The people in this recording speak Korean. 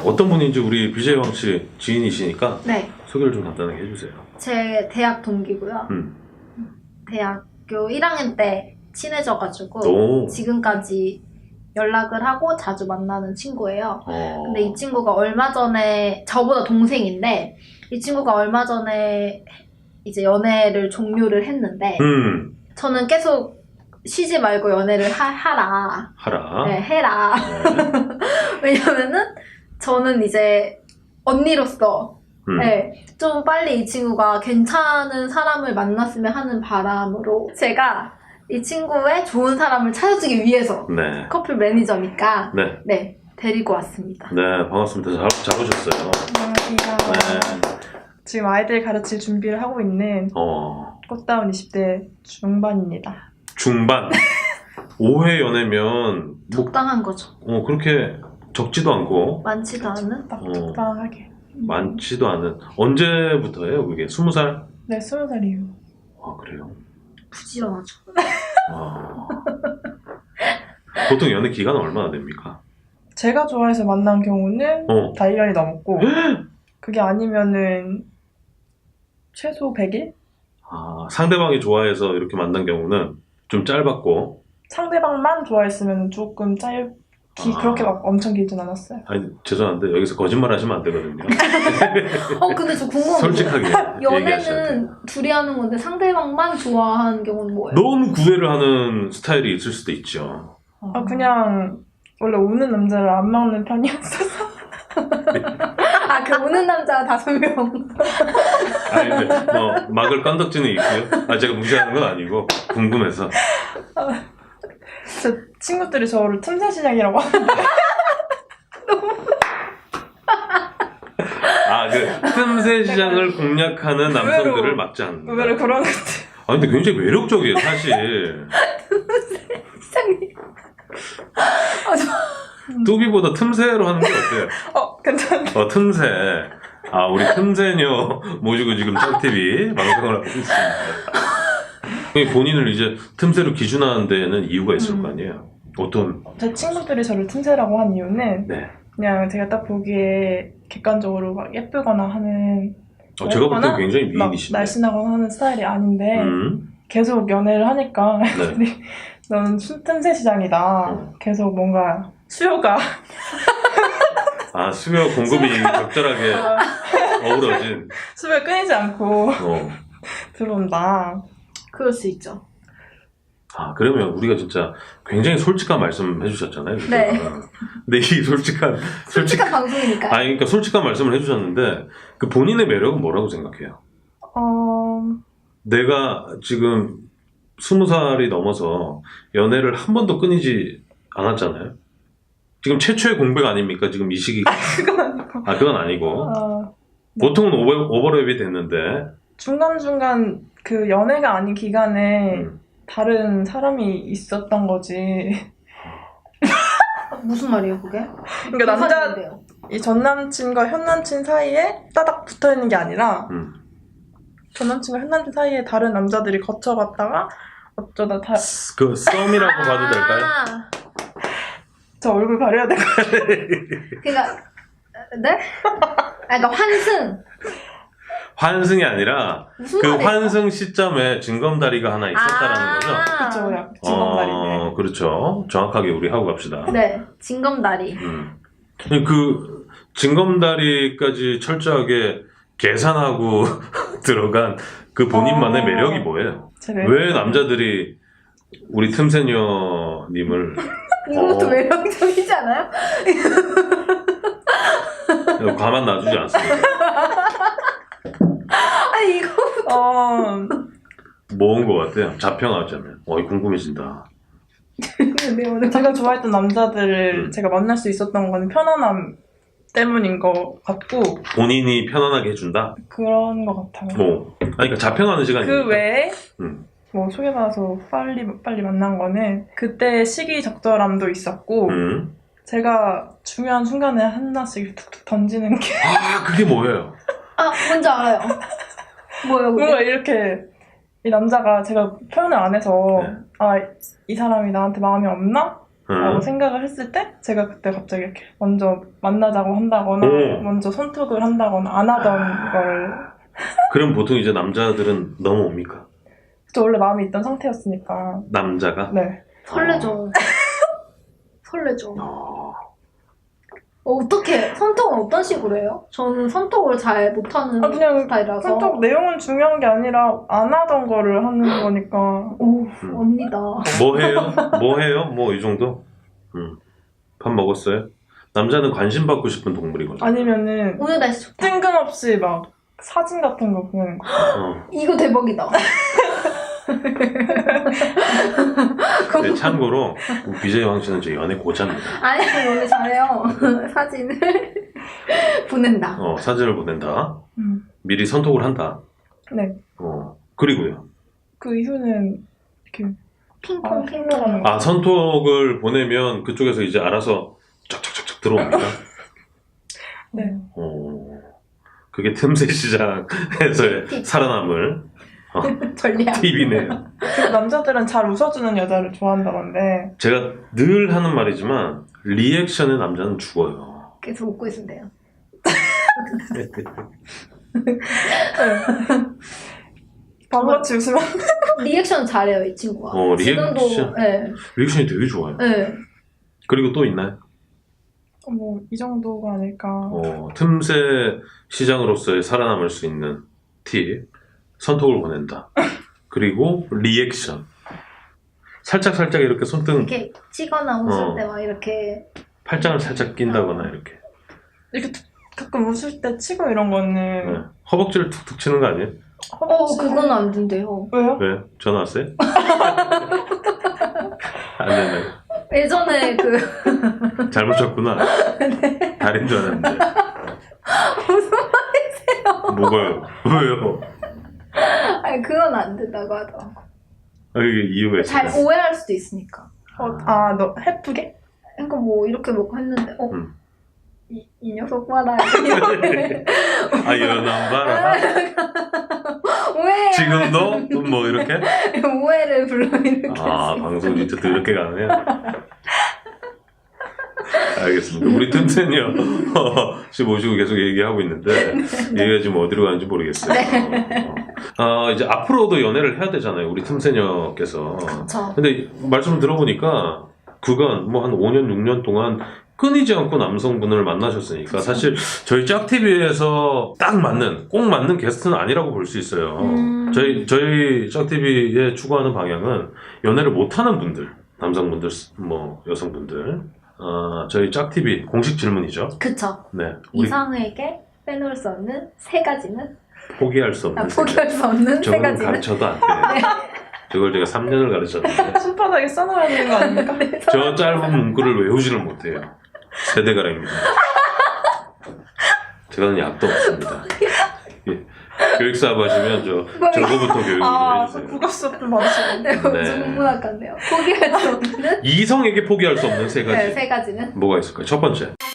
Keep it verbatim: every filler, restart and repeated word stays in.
어떤 분인지 우리 비제이 왕씨 지인이시니까 네. 소개를 좀 간단하게 해주세요. 제 대학 동기고요. 음. 대학교 일 학년 때 친해져가지고 오. 지금까지 연락을 하고 자주 만나는 친구예요. 어. 근데 이 친구가 얼마 전에 저보다 동생인데 이 친구가 얼마 전에 이제 연애를 종료를 했는데 음. 저는 계속 쉬지 말고 연애를 하, 하라. 하라. 네, 해라. 네. 왜냐면은 저는 이제 언니로서 음. 네, 좀 빨리 이 친구가 괜찮은 사람을 만났으면 하는 바람으로 제가 이 친구의 좋은 사람을 찾아주기 위해서 네. 커플 매니저니까 네. 네, 데리고 왔습니다. 네, 반갑습니다. 잘, 잘 오셨어요. 안녕하세요. 네. 지금 아이들 가르칠 준비를 하고 있는 어, 꽃다운 이십 대 중반입니다. 중반. 오 회 연애면, 뭐, 적당한 거죠. 어, 그렇게 적지도 않고, 많지도 않은? 딱 어. 적당하게. 많지도 않은. 언제부터예요, 그게? 스무 살? 네, 스무 살이에요. 아, 그래요? 부지런하죠. 아. 보통 연애 기간은 얼마나 됩니까? 제가 좋아해서 만난 경우는 어. 다 일 년이 넘었고 그게 아니면은 최소 백 일? 아, 상대방이 좋아해서 이렇게 만난 경우는 좀 짧았고, 상대방만 좋아했으면 조금 짧기 아. 그렇게 막 엄청 길진 않았어요. 아니, 죄송한데, 여기서 거짓말 하시면 안 되거든요. 어 근데 저 궁금한 게 솔직하게 얘기하셔야 돼요. 연애는 둘이 하는 건데 상대방만 좋아하는 경우는 뭐예요? 너무 구애를 하는 스타일이 있을 수도 있죠. 아, 그냥 원래 우는 남자를 안 막는 편이었어서 아, 그 우는 남자 다섯 명. 아니, 근데 뭐, 막을 건덕지는 있고요. 아, 제가 무시하는 건 아니고, 궁금해서. 제 친구들이 저를 틈새 시장이라고 하는데 아, 그, 틈새 시장을 공략하는 남성들을 의외로- 막지 않는다. 의외로 그런 것들. 아, 근데 굉장히 매력적이에요, 사실. 이상해. 아, 저... 뚜비보다 틈새로 하는 게 어때요? 어, 괜찮네. 어, 틈새. 아, 우리 틈새녀 모시고 지금 짤티비 방송을 하고 있습니다. 본인을 이제 틈새로 기준하는 데는 이유가 있을 음. 거 아니에요? 어떤, 제 친구들이 저를 틈새라고 한 이유는 네. 그냥 제가 딱 보기에 객관적으로 막 예쁘거나 하는 어, 제가 볼 때 예쁘거나 굉장히 막 미인이신데. 날씬하거나 하는 스타일이 아닌데 음, 계속 연애를 하니까 네. 너는 수- 틈새 시장이다. 음. 계속 뭔가 수요가 아, 수요 공급이 적절하게 어우러진. 수요가 끊이지 않고 어. 들어온다. 그럴 수 있죠. 아, 그러면 우리가 진짜 굉장히 솔직한 말씀 해주셨잖아요. 그죠? 네. 근데 이 솔직한, 솔직, 솔직한 방송이니까. 아니, 그러니까 솔직한 말씀을 해주셨는데, 그 본인의 매력은 뭐라고 생각해요? 어, 내가 지금 스무 살이 넘어서 연애를 한 번도 끊이지 않았잖아요. 지금 최초의 공백 아닙니까? 지금 이 시기가. 그건 아니고. 아, 그건 아니고. 어, 보통은 오버, 오버랩이 됐는데. 중간중간 그 연애가 아닌 기간에 음. 다른 사람이 있었던 거지. 무슨 말이에요, 그게? 그러니까 남자, 이상한데요. 이 전 남친과 현 남친 사이에 따닥 붙어 있는 게 아니라 음. 전 남친과 현 남친 사이에 다른 남자들이 거쳐갔다가 어쩌다 다, 그 썸이라고 봐도 될까요? 아, 저 얼굴 가려야 될 것 같아요. 그러니까 네? 아, 그러니까 환승. 환승이 아니라 무슨 그 말이에요? 환승 시점에 징검다리가 하나 있었다라는 거죠. 그쵸, 약 징검다리네. 어, 그렇죠. 정확하게 우리 하고 갑시다. 네, 징검다리. 음. 그 징검다리까지 철저하게 계산하고 들어간 그 본인만의 어. 매력이 뭐예요? 제 매력. 왜 남자들이 우리 틈새녀님을 이것도 어. 매력적이지 않아요? 가만 놔주지 않습니까? 아니 이거 어, 뭐인 것 같아요? 자평하자면. 어이, 궁금해진다. 네, 오늘 제가 좋아했던 남자들을 음. 제가 만날 수 있었던 건 편안함 때문인 것 같고 본인이 편안하게 해준다? 그런 것 같아요. 뭐. 아니, 그러니까 자평하는 시간이니까. 그 외에 음. 뭐 소개받아서 빨리 빨리 만난 거는 그때 시기 적절함도 있었고 음. 제가 중요한 순간에 하나씩 툭툭 던지는 게 아, 그게 뭐예요? 아 뭔지 알아요. 뭐예요 그게? 뭔가 이렇게 이 남자가 제가 표현을 안 해서 네. 아 이 사람이 나한테 마음이 없나? 라고 음. 생각을 했을 때 제가 그때 갑자기 이렇게 먼저 만나자고 한다거나 오. 먼저 손톱을 한다거나 안 하던 걸 그럼 보통 이제 남자들은 넘어옵니까? 저 원래 마음이 있던 상태였으니까 남자가? 네. 설레죠. 설레죠. 어. 어, 어떻게 손톱은 어떤 식으로 해요? 저는 손톱을 잘 못하는 아, 그냥 스타일이라서. 손톱 내용은 중요한 게 아니라 안 하던 거를 하는 거니까 오, 음. 언니다. 뭐 해요? 뭐 해요? 뭐 이 정도? 음. 밥 먹었어요? 남자는 관심 받고 싶은 동물이거든요. 아니면은 오늘 날씨 좋다. 뜬금없이 막 사진 같은 거 보내는 거. 어. 이거 대박이다. 네, 참고로 비제이 왕 씨는 저 연애 고자입니다. 아니, 오늘 잘해요. 사진을 보낸다. 어, 사진을 보낸다. 음. 미리 선톡을 한다. 네. 어, 그리고요. 그 이후는 이렇게 핑퐁, 아, 핑퐁. 흘러가는 거. 아, 선톡을 보내면 그쪽에서 이제 알아서 쫙쫙쫙쫙 들어옵니까? 네. 어, 그게 틈새 시장에서의 팁. 살아남을 어, 전략. 팁이네요. 그리고 남자들은 잘 웃어주는 여자를 좋아한다던데 제가 늘 하는 말이지만 리액션의 남자는 죽어요. 계속 웃고 있으면 돼요. 바보같이 웃으면 리액션 잘해요, 이 친구가. 어, 리액션? 지금도, 네. 리액션이 되게 좋아요. 네. 그리고 또 있나요? 뭐 이 정도가 아닐까. 어, 틈새 시장으로서의 살아남을 수 있는 팁. 선톡을 보낸다. 그리고 리액션. 살짝 살짝 이렇게 손등 이렇게 치거나 웃을 어. 때 막 이렇게. 팔짱을 살짝 낀다거나 이렇게. 이렇게 툭- 가끔 웃을 때 치고 이런 거는 네. 허벅지를 툭툭 치는 거 아니에요? 어, 그건 안 된대요. 왜요? 왜? 전화 왔어요? 안 된다고. 예전에 그, 잘못 쳤구나. 다른 줄 알았는데. 무슨 말이세요? 뭐가요? 왜요? 아니, 그건 안 된다고 하더라고. 아, 이게 이유가 잘 있어요. 오해할 수도 있으니까. 어, 아, 너 해프게? 그러니까 뭐 이렇게 먹고 했는데, 어, 음. 이, 이 녀석 봐라. 이렇게. 아, 이런 안 봐라. 오해. 지금도? 뭐 이렇게? 오해를 불러일으켰어요. 아, 방송 진짜 또 이렇게 가네요. 알겠습니다. 우리 틈새녀 씨 모시고 계속 얘기하고 있는데 얘기가 지금 어디로 가는지 모르겠어요. 어, 어. 아, 이제 앞으로도 연애를 해야 되잖아요. 우리 틈새녀께서. 그쵸. 근데 말씀을 들어보니까 그간 뭐 한 오 년, 육 년 동안 끊이지 않고 남성분을 만나셨으니까 사실 저희 짝티비에서 딱 맞는, 꼭 맞는 게스트는 아니라고 볼 수 있어요. 음. 저희, 저희 짝티비에 추구하는 방향은 연애를 못하는 분들, 남성분들, 뭐, 여성분들, 어, 저희 짝티비 공식 질문이죠. 그쵸. 네. 우리 이상에게 빼놓을 수 없는 세 가지는? 포기할 수 없는 아, 포기할 수 없는 세 저걸 가지는? 가르쳐도 안 돼요. 저걸 제가 삼 년을 가르쳤는데 손바닥에 써놔야 되는 거 아닙니까? 저 짧은 문구를 외우지를 못해요. 세대가라입니다. 제가는 약도 없습니다. 예. 교육사업 하시면 저 저거부터 교육을 아, 해주세요. 국어 수업 좀 받으시고. 네, 네. 중문학과인데요. 포기할 수 없는 이성에게 포기할 수 없는 세 가지. 네, 세 가지는? 뭐가 있을까요? 첫 번째.